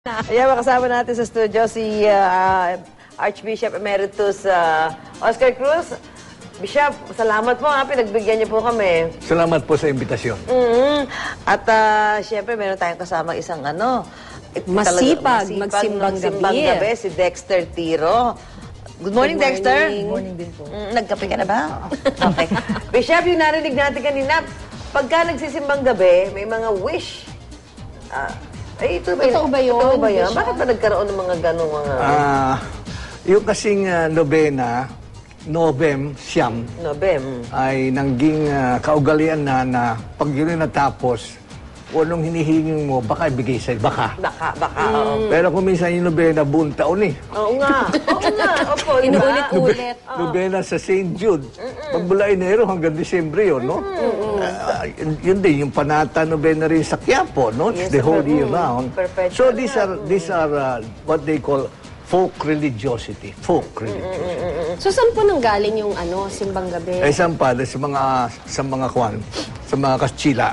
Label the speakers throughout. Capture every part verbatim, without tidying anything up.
Speaker 1: Ayan, makasama natin sa studio si uh, Archbishop Emeritus uh, Oscar Cruz. Bishop, salamat po ha, pinagbigyan niyo po kami.
Speaker 2: Salamat po sa imbitasyon.
Speaker 1: Mm-hmm. At uh, siyempre, meron tayong kasama isang ano,
Speaker 3: masipag,
Speaker 1: masipag
Speaker 3: magsimbang gabi.
Speaker 1: gabi, si Dexter Tiro. Good morning,
Speaker 3: Good
Speaker 1: Dexter.
Speaker 3: morning.
Speaker 1: Good morning din po. Mm, nagkape ka na ba? Okay. Bishop, yung narinig natin kanina, pagka nagsisimbang gabi, may mga wish. Ah, Ay, ito ba,
Speaker 3: Totoo ba yun?
Speaker 1: Totoo ba yun? Bakit ba nagkaroon ng mga ganong mga...
Speaker 2: Ah, yung kasing uh, nobena, Novem, Siyam,
Speaker 1: Novem.
Speaker 2: ay nangging uh, kaugalian na na pag yun ay natapos, kung anong hinihingin mo, baka ibigay sa'yo. Baka.
Speaker 1: Baka, baka, oo.
Speaker 2: Pero kung minsan yung nobena, buong taon eh.
Speaker 1: Oo nga. Oo nga. Opo, di ba?
Speaker 3: Inuulit-ulit.
Speaker 2: Nobena sa Saint Jude. Pagmula Enero hanggang Disyembre yun, no? Uh, yun, yun din, yung Panata Nobena rin sa Quiapo, no?
Speaker 1: Yes,
Speaker 2: the whole
Speaker 1: mm,
Speaker 2: year round.
Speaker 1: perpetual
Speaker 2: So these
Speaker 1: na.
Speaker 2: are, these are uh, what they call folk religiosity. Folk religiosity.
Speaker 3: So, saan po nanggaling yung ano, simbang gabi?
Speaker 2: Ay, saan pa? Sa mga, sa mga kwan, sa mga Kastila.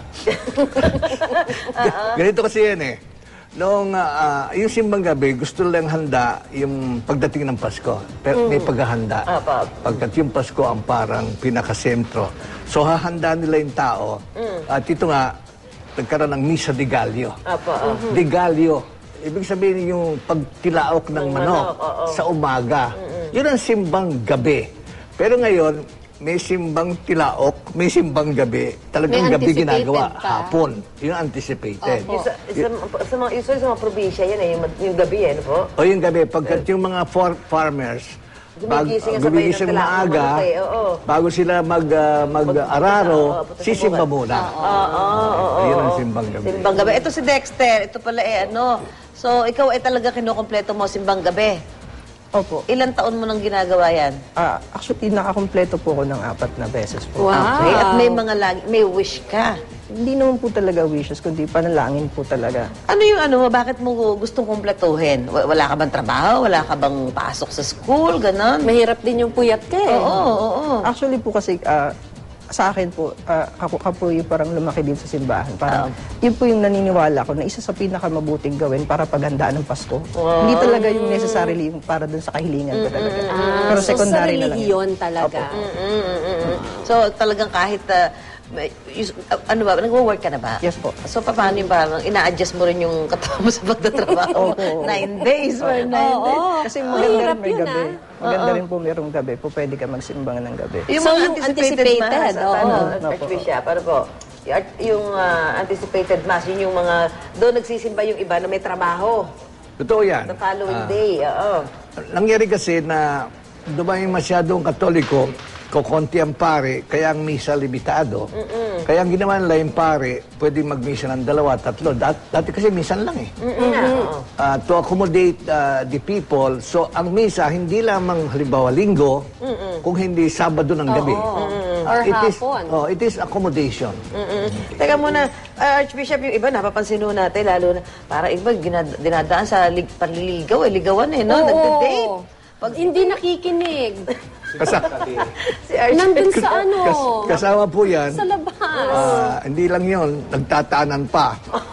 Speaker 2: Ganito kasi yan eh. Noong, ah, yung simbang gabi, gusto lang handa yung pagdating ng Pasko. Pero may paghahanda.
Speaker 1: Apa.
Speaker 2: Pagkat yung Pasko ang parang pinakasentro. So, hahanda nila yung tao. At ito nga, nagkaroon ng Misa de Gallo.
Speaker 1: Apa,
Speaker 2: De Gallo. Ibig sabihin yung pagtilaok ng
Speaker 1: Ng
Speaker 2: manok,
Speaker 1: manok, oo.
Speaker 2: sa umaga. Yun ang simbang gabi. Pero ngayon, may simbang tilaok, may simbang gabi. Talagang
Speaker 3: May
Speaker 2: gabi
Speaker 3: anticipated
Speaker 2: ginagawa,
Speaker 3: pa.
Speaker 2: hapon. Yun ang anticipated.
Speaker 1: Yung sa, sa, sa, mga, usually sa mga probinsya yan eh, yung, yung gabi eh, ano po?
Speaker 2: O yung gabi, pagkat yung mga for- farmers, bag,
Speaker 1: Gumigising nga sabay
Speaker 2: gumigising
Speaker 1: ng tilaok ng
Speaker 2: maaga,
Speaker 1: manok eh, oo.
Speaker 2: bago sila mag, ah, mag-araro,
Speaker 1: Oo, punta sa
Speaker 2: sisimba
Speaker 1: bukid.
Speaker 2: muna.
Speaker 1: Oo, oo, oo.
Speaker 2: Yun ang simbang gabi.
Speaker 1: Simbang gabi. Ito si Dexter. Ito pala eh, ano. So, ikaw ay talaga kinukompleto mo simbang gabi.
Speaker 4: Opo.
Speaker 1: Ilang taon mo nang ginagawa yan?
Speaker 4: Ah, actually, nakakompleto po ako ng apat na beses po.
Speaker 3: Wow.
Speaker 1: Okay. At may mga lagi, may wish ka.
Speaker 4: Hindi naman po talaga wishes, kundi panalangin po talaga.
Speaker 1: Ano yung ano mo? Bakit mo gustong kumpletuhin? Wa- Wala ka bang trabaho? Wala ka bang pasok sa school? Ganon?
Speaker 3: Mahirap din yung puyat ka eh.
Speaker 1: Oo, oo, oo.
Speaker 4: Actually po kasi, ah, sa akin po, uh, ako, ako po yung parang lumaki din sa simbahan. Parang, yun po yung naniniwala ko na isa sa pinakamabuting gawin para paghandaan ng Pasko. Hindi talaga yung necessarily yung para dun sa kahilingan ko talaga.
Speaker 3: Ah,
Speaker 4: Pero
Speaker 3: so,
Speaker 4: secondary
Speaker 3: sa
Speaker 4: na lang yun.
Speaker 3: relihiyon talaga.
Speaker 1: Mm, mm, mm, mm. So, talagang kahit, uh, may- yus- uh, ano ba, nagwo-work ka na ba?
Speaker 4: Yes po.
Speaker 1: So, paano yung parang ina-adjust mo rin yung katawan mo sa pagtatrabaho?
Speaker 4: Opo.
Speaker 1: Nine days or nine
Speaker 3: Oo.
Speaker 1: days.
Speaker 4: Kasi maganda
Speaker 3: Mahirap
Speaker 4: rin may
Speaker 3: yun,
Speaker 4: gabi.
Speaker 3: ah.
Speaker 4: Maganda rin po mayroong gabi. Po pwede ka magsimbangan ng gabi.
Speaker 1: Yung
Speaker 3: So,
Speaker 1: mga
Speaker 3: yung anticipated,
Speaker 1: mass,
Speaker 3: oo.
Speaker 1: ano,
Speaker 4: Opo.
Speaker 1: Archbishop, ano po? Yung, art- yung ah, anticipated mass, yun yung mga, doon nagsisimba yung iba na may trabaho.
Speaker 2: Totoo yan.
Speaker 1: The following
Speaker 2: Ah,
Speaker 1: day, oo.
Speaker 2: Nangyari kasi na dumay masyadong Katoliko, kukonti ang pare, kaya ang misa limitado. Kaya ang ginawa nila yung pare, pwede magmisa ng dalawa, tatlo. Dat, dati kasi misan lang eh.
Speaker 1: Mm-mm nga, oo.
Speaker 2: Uh, to accommodate uh, the people. So, ang misa, hindi lamang halimbawa linggo, kung hindi Sabado ng gabi.
Speaker 3: Or
Speaker 2: it is,
Speaker 3: hapon.
Speaker 2: oh, it is accommodation.
Speaker 1: Mm-mm. Teka muna, ah, Archbishop, yung iba, napapansin ho natin, lalo na, para iba, ginad- dinadaan sa lig- panliligaw, eh, ligawan eh, no?
Speaker 3: Oo.
Speaker 1: Nagde-date.
Speaker 3: Pag hindi nakikinig.
Speaker 2: Kasi,
Speaker 1: Si Archbishop.
Speaker 3: Nandun sa ano?
Speaker 2: kas, kasama po yan,
Speaker 3: Sa labas.
Speaker 2: ah, hindi lang yon nagtataanan pa.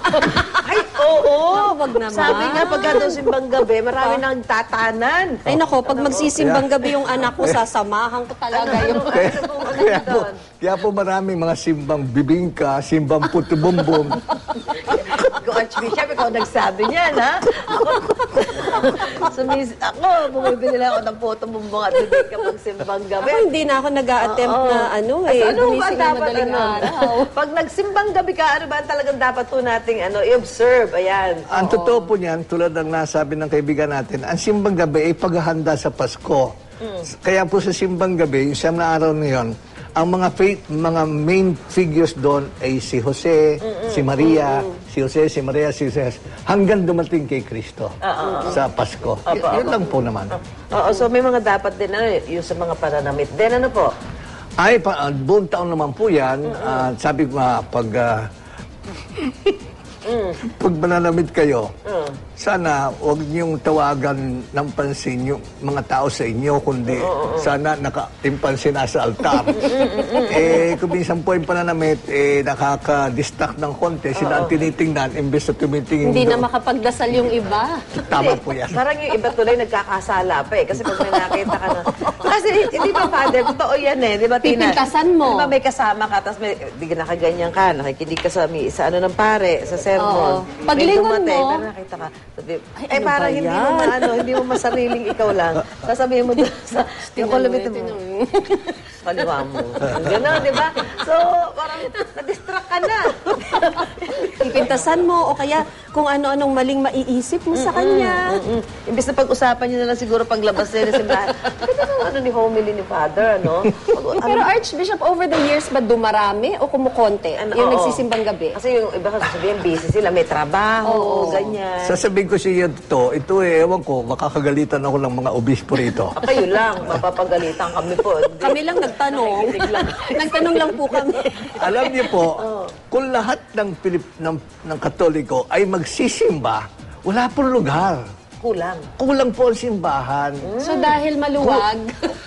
Speaker 1: Ay, oo.
Speaker 3: Wag naman.
Speaker 1: Sabi nga, pagka daw simbang gabi, marami nang tatanan.
Speaker 3: Ay nako, pag magsisimbang gabi yung anak ko, sasamahan ko talaga yung...
Speaker 2: Kaya,
Speaker 1: Ano po, ano
Speaker 2: kaya, po,
Speaker 1: doon?
Speaker 2: kaya po maraming mga simbang bibingka, simbang putubumbum.
Speaker 1: Go, Archbishop, ikaw nagsabi niyan, ha? Ako, sumis, ako, bumibili lang ako ng photo bumbong at bibig kapag simbang gabi.
Speaker 3: Ako hindi na ako nag-a-attempt
Speaker 1: Oo.
Speaker 3: na ano
Speaker 1: As
Speaker 3: eh,
Speaker 1: ano ba
Speaker 3: gumising na
Speaker 1: dapat,
Speaker 3: madaling
Speaker 1: ano?
Speaker 3: araw.
Speaker 1: Pag nagsimbang gabi ka, ano ba ang talagang dapat po nating ano, i-observe? Ayan.
Speaker 2: Ang totoo po niyan, tulad ng nasabi ng kaibigan natin, ang simbang gabi ay paghahanda sa Pasko. Kaya po sa simbang gabi, yung siyam na araw na yun, ang mga faith, mga main figures doon ay si Jose, si Maria, si Jose, si Maria, si Jose, hanggang dumating kay Kristo sa Pasko. Y- yun lang po naman.
Speaker 1: Oo, so may mga dapat din, ano, yung sa mga pananamit din, ano po?
Speaker 2: Ay, pa, uh, buong taon naman po yan. Ah, sabi ko nga, pag, ah, pag mananamit kayo, sana huwag niyong tawagan ng pansin yung mga tao sa inyo, kundi sana naka-impansin nasa altar. eh, kung minsan po yung pananamit, eh, nakaka-distract ng konti, sila ang tinitingnan, imbes na tumitingin
Speaker 3: Hindi na
Speaker 2: doon.
Speaker 3: makapagdasal yung iba.
Speaker 2: Tama po yan.
Speaker 1: Parang yung iba tuloy nagkakasala pa eh. Kasi pag may nakita ka na... Kasi hindi ba, Father, totoo yan eh. Di ba, Tina?
Speaker 3: Pipintasan mo.
Speaker 1: Di ba may kasama ka, tapos may, di ka nakaganyan ka, nakikinig ka sa, mi- sa ano ng pare, sa sermon.
Speaker 3: Oo.
Speaker 1: May
Speaker 3: Paglingon
Speaker 1: dumating,
Speaker 3: mo-
Speaker 1: parang nakita ka. Sabi,
Speaker 3: Ay,
Speaker 1: eh,
Speaker 3: ano
Speaker 1: parang
Speaker 3: ba
Speaker 1: hindi
Speaker 3: yan?
Speaker 1: mo maano, hindi mo masariling ikaw lang. Sasabihin mo doon sa... Yung kulubitin mo. Kaliwa mo. Gano'n, di ba? So, parang na-distract ka na.
Speaker 3: Pipintasan mo o kaya kung ano-anong maling maiisip mo sa kanya.
Speaker 1: Mm. Imbis na pag-usapan nyo na lang siguro paglabas nila sa simbahan. Ganda ng ano ni homily ni Father, ano? Pag-
Speaker 3: Pero Archbishop, over the years ba dumarami o kumukonti
Speaker 1: Ano,
Speaker 3: yung
Speaker 1: oo.
Speaker 3: nagsisimbang gabi?
Speaker 1: Kasi yung iba kasi sabihin, busy sila, may trabaho, o ganyan.
Speaker 2: Sasabihin ko siya to, ito eh, ewan ko, makakagalitan ako ng mga obispo rito.
Speaker 1: Ah, kayo lang, mapapagalitan kami po. Hindi.
Speaker 3: Kami lang nagtanong. Nagtanong lang po kami.
Speaker 2: Alam niyo po, kung lahat ng Pilip ng, ng Katoliko ay magsisimba, wala pong lugar.
Speaker 1: Kulang.
Speaker 2: Kulang po ang simbahan.
Speaker 3: So dahil maluwag,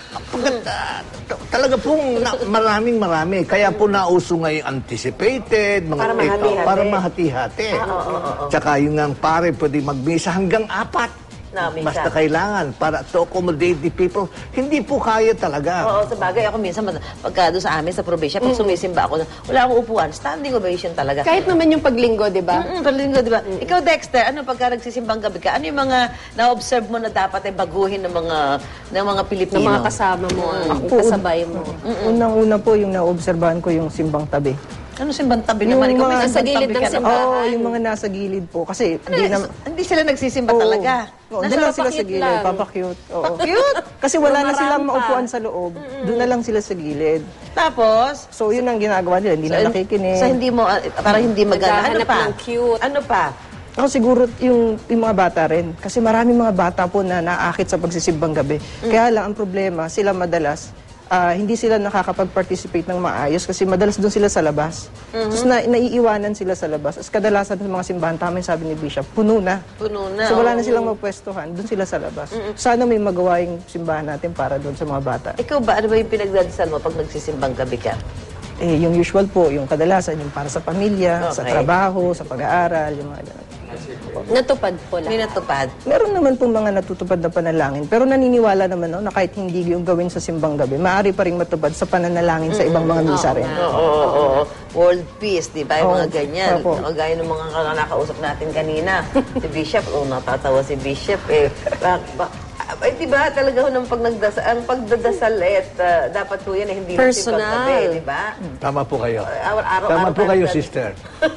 Speaker 2: Pagkata, talaga pong na, maraming marami. Kaya po nauso ngayon anticipated, mga
Speaker 1: Para
Speaker 2: take out,
Speaker 1: mahati-hati.
Speaker 2: para mahati-hati. Tsaka yung nga pare, pwede magmisa hanggang apat.
Speaker 1: Na, misa.
Speaker 2: Basta kailangan para to accommodate the people. Hindi po kaya talaga.
Speaker 1: Oo, sa bagay, ako minsan, mas- pagka doon sa amin, sa probinsya, pag sumisimba ako, wala akong upuan, standing ovation talaga.
Speaker 3: kahit naman yung paglinggo, di ba?
Speaker 1: Mm, palinggo, di ba? Ikaw, Dexter, ano pagka nagsisimbang gabi ka, ano yung mga na-observe mo na dapat ay baguhin ng mga ng mga
Speaker 3: Ng
Speaker 1: Pilipino?
Speaker 3: mga kasama mo, ang kasabay mo.
Speaker 4: Unang-una po yung naobserbahan ko yung simbang tabi.
Speaker 1: Ano simbang tabi
Speaker 4: Yung
Speaker 1: naman? Ikaw, may
Speaker 4: mga-
Speaker 1: simbang
Speaker 3: Sa gilid
Speaker 1: tabi
Speaker 3: ng
Speaker 1: ka
Speaker 3: simbahan.
Speaker 1: naman.
Speaker 4: Oo, yung mga nasa gilid po. Kasi
Speaker 1: Ano,
Speaker 4: di na...
Speaker 1: hindi sila nagsisimba
Speaker 4: Oo.
Speaker 1: talaga.
Speaker 4: Oo,
Speaker 3: Nasa
Speaker 4: doon lang sila sa
Speaker 3: papakit
Speaker 4: gilid,
Speaker 3: lang.
Speaker 4: papakyut. Oo.
Speaker 1: Cute!
Speaker 4: Kasi wala na
Speaker 3: Lumarampa.
Speaker 4: silang maupuan sa loob. Doon na lang sila sa gilid.
Speaker 1: Tapos,
Speaker 4: So, yun ang ginagawa nila. Hindi na nakikinig.
Speaker 1: sa hindi mo, ah, parang hindi magana. Ano
Speaker 3: Naghahanap
Speaker 1: pa?
Speaker 3: ng cute.
Speaker 1: Ano pa?
Speaker 4: Ako siguro yung, yung mga bata rin. Kasi maraming mga bata po na naakit sa pagsisimbang gabi. Kaya lang ang problema, sila madalas, ah, hindi sila nakakapag-participate ng maayos kasi madalas doon sila sa labas. Tapos na, naiiwanan sila sa labas. As kadalasan ng mga simbahan, tama yung sabi ni Bishop, puno na.
Speaker 1: Puno na.
Speaker 4: So wala na
Speaker 1: oo.
Speaker 4: silang mapwestuhan, doon sila sa labas. Sana may magawa yung simbahan natin para doon sa mga bata.
Speaker 1: Ikaw ba, ano ba yung pinagdadasal mo pag nagsisimbang gabi ka?
Speaker 4: Eh, yung usual po, yung kadalasan, yung para sa pamilya, sa
Speaker 1: Okay.
Speaker 4: trabaho, sa pag-aaral, yung mga ganun.
Speaker 3: Natupad po
Speaker 1: May
Speaker 3: lang.
Speaker 1: natupad.
Speaker 4: Meron naman pong mga natutupad na panalangin, pero naniniwala naman no, na kahit hindi yung gawin sa simbang gabi, maaari pa rin matupad sa pananalangin sa ibang mga misa rin.
Speaker 1: Oo, oo, oo. World peace, di ba? Yung mga
Speaker 4: Oo.
Speaker 1: ganyan.
Speaker 4: Opo.
Speaker 1: O, gaya ng mga nakausap natin kanina. Si Bishop, oh, natatawa si Bishop eh. Ba, ba, ay, di ba talaga ho, ng pag nagdasal, ang pagdadasal eh, at, ah, dapat po yan eh, hindi lang
Speaker 3: Personal.
Speaker 1: simbang gabi, di ba?
Speaker 2: Tama po kayo.
Speaker 1: Araw-araw
Speaker 2: Tama po
Speaker 1: tayo
Speaker 2: kayo,
Speaker 1: nagdadasal.
Speaker 2: sister.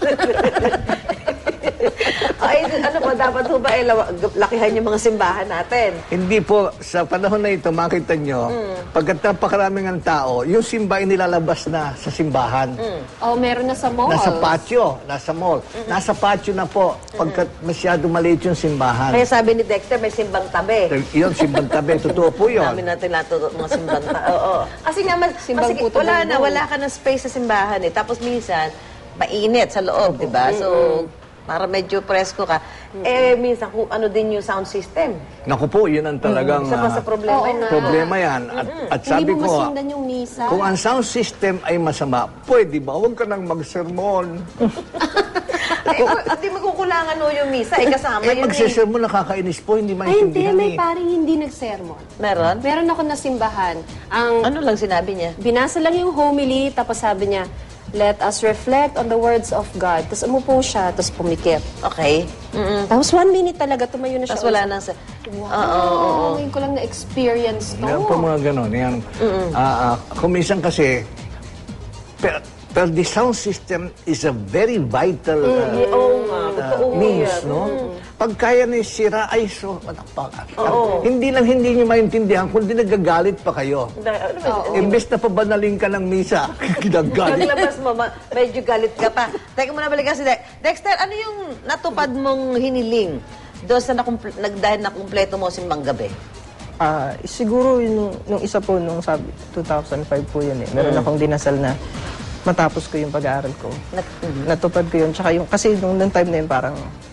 Speaker 1: Ay, ano pa, dapat ho ba eh, lawa- lakihan yung mga simbahan natin?
Speaker 2: Hindi po, sa panahon na ito, makita nyo, pagkat napakaraming ang tao, yung simba ay nilalabas na sa simbahan.
Speaker 3: Oh, meron na sa mall.
Speaker 2: Nasa patio, nasa mall. Nasa patio na po, pagkat masyado maliit yung simbahan.
Speaker 1: Kaya sabi ni Dexter, may simbang tabi.
Speaker 2: Yun, simbang tabi. Totoo po yun.
Speaker 1: Namin natin natuturo mga simbang tabi. Oo. Kasi nga, mas,
Speaker 3: Simbang
Speaker 1: kasi
Speaker 3: puto
Speaker 1: wala na,
Speaker 3: bumbong.
Speaker 1: wala ka ng space sa simbahan eh. Tapos minsan, mainit sa loob, di ba? So, para medyo presko ka. Eh, minsan, kung ano din yung sound system.
Speaker 2: Naku po, yun ang talagang
Speaker 1: Isa pa sa
Speaker 2: ah,
Speaker 1: problema
Speaker 3: Oo
Speaker 1: yun.
Speaker 3: nga.
Speaker 2: problema yan. At, at sabi
Speaker 3: Hindi mo
Speaker 2: ko, ah,
Speaker 3: masundan yung misa.
Speaker 2: kung ang sound system ay masama, pwede ba? Huwag ka nang magsermon.
Speaker 1: Eh, hindi magkukulangan no yung misa. Eh, kasama
Speaker 2: Eh,
Speaker 1: yun eh.
Speaker 2: magsisermon, nakakainis po, hindi
Speaker 3: Ay, hindi.
Speaker 2: maintindihan
Speaker 3: May
Speaker 2: eh.
Speaker 3: paring hindi nagsermon.
Speaker 1: Meron?
Speaker 3: Meron ako na simbahan. Ang
Speaker 1: Ano lang sinabi niya?
Speaker 3: binasa lang yung homily, tapos sabi niya, let us reflect on the words of God. Tapos umupo siya, tapos pumikit.
Speaker 1: Okay. Mm-mm.
Speaker 3: Tapos one minute talaga, tumayo na siya.
Speaker 1: Tapos wala nang sa...
Speaker 3: Wow,
Speaker 1: Oo, oo, oo.
Speaker 3: ngayon ko lang na-experience to.
Speaker 2: Yan po mga ganon. Yan. Ah, ah, kung minsan kasi, per, per the sound system is a very vital ah,
Speaker 1: Eh, Oo nga, totoo
Speaker 2: means,
Speaker 1: yan.
Speaker 2: no? Pag kaya ni sira, ay so, hindi lang hindi nyo maintindihan, kundi nagagalit pa kayo.
Speaker 1: Dahil- ano ba-
Speaker 2: Imbes na pabanaling ka ng misa, ginagalit.
Speaker 1: Paglabas mo, ma- medyo galit ka pa. Teka muna, balikan si Dex- Dexter, ano yung natupad mong hiniling doon sa nakumple- nag, dahil nakumpleto mo simbang gabi?
Speaker 4: Ah, siguro yung, nung isa po, nung sabi, two thousand five po yun eh. Meron akong dinasal na matapos ko yung pag-aaral ko.
Speaker 1: Nat-
Speaker 4: Natupad ko yun. Tsaka yung, kasi nung, nung time na yun parang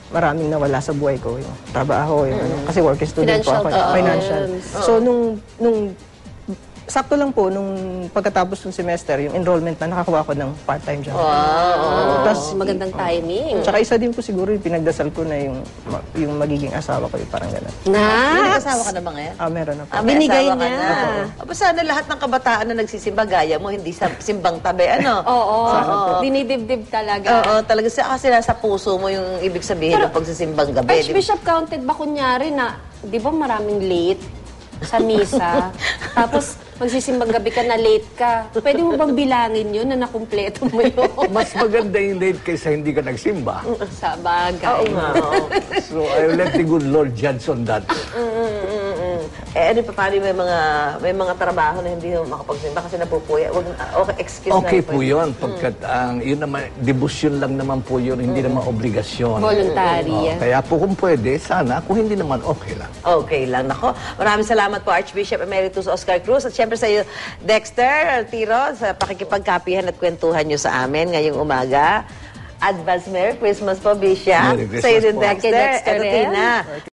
Speaker 4: maraming nawala sa buhay ko. Yung trabaho, yung ano. Kasi working student po
Speaker 3: Financial
Speaker 4: ako.
Speaker 3: problems.
Speaker 4: Financial. So, nung, nung sakto lang po, nung pagkatapos ng semester, yung enrollment na nakakuha ko ng part-time job.
Speaker 3: Oh,
Speaker 4: Tapos,
Speaker 3: magandang timing.
Speaker 4: tsaka isa din po siguro yung pinagdasal ko na yung, ma- yung magiging asawa ko, yung parang gano'n.
Speaker 1: May
Speaker 3: Na,
Speaker 1: nag-asawa ka na ba ngayon?
Speaker 4: Ah, meron na po.
Speaker 1: Ah, may
Speaker 3: Binigay
Speaker 1: asawa ka
Speaker 3: niya.
Speaker 1: na. Aba, sana lahat ng kabataan na nagsisimba, gaya mo, hindi sa simbang tabi, ano?
Speaker 3: oo,
Speaker 1: Oo.
Speaker 3: dinidibdib talaga.
Speaker 1: Oo, talaga. Sa- Kasi nasa puso mo yung ibig sabihin ng pagsisimbang gabi. di ba?
Speaker 3: Archbishop, counted ba kunyari na, di ba maraming late sa misa? Tapos, magsisimbang gabi ka na late ka. Pwede mo bang bilangin yun na nakumpleto mo yun?
Speaker 2: Mas maganda yung late kaysa hindi ka nagsimba.
Speaker 3: Sa bagay.
Speaker 1: Oo nga. oo.
Speaker 2: So, I will let the good Lord judge on that.
Speaker 1: Mm, mm, mm, mm. Eh, ano pa, paano may mga, may mga trabaho na hindi mo makapagsimba kasi napupuya? Wag, okay, excuse
Speaker 2: Okay
Speaker 1: na.
Speaker 2: po yun. Pagkat ang yun naman, debosyon lang naman po yun, hindi naman obligasyon.
Speaker 3: Voluntary
Speaker 2: Oh,
Speaker 3: yan.
Speaker 2: kaya po kung pwede, sana. Kung hindi naman, okay lang.
Speaker 1: Okay lang. Nako, maraming salamat po Archbishop Emeritus Oscar Cruz at syempre sa iyo, Dexter Tiro, sa pakikipagkapihan at kwentuhan nyo sa amin ngayong umaga. Advance Merry Christmas po, Bishop.
Speaker 2: Merry Christmas
Speaker 1: Sa iyo din,
Speaker 2: po.
Speaker 1: Dexter.
Speaker 3: Kay Dexter
Speaker 1: Eto,
Speaker 3: rin.
Speaker 1: Tina.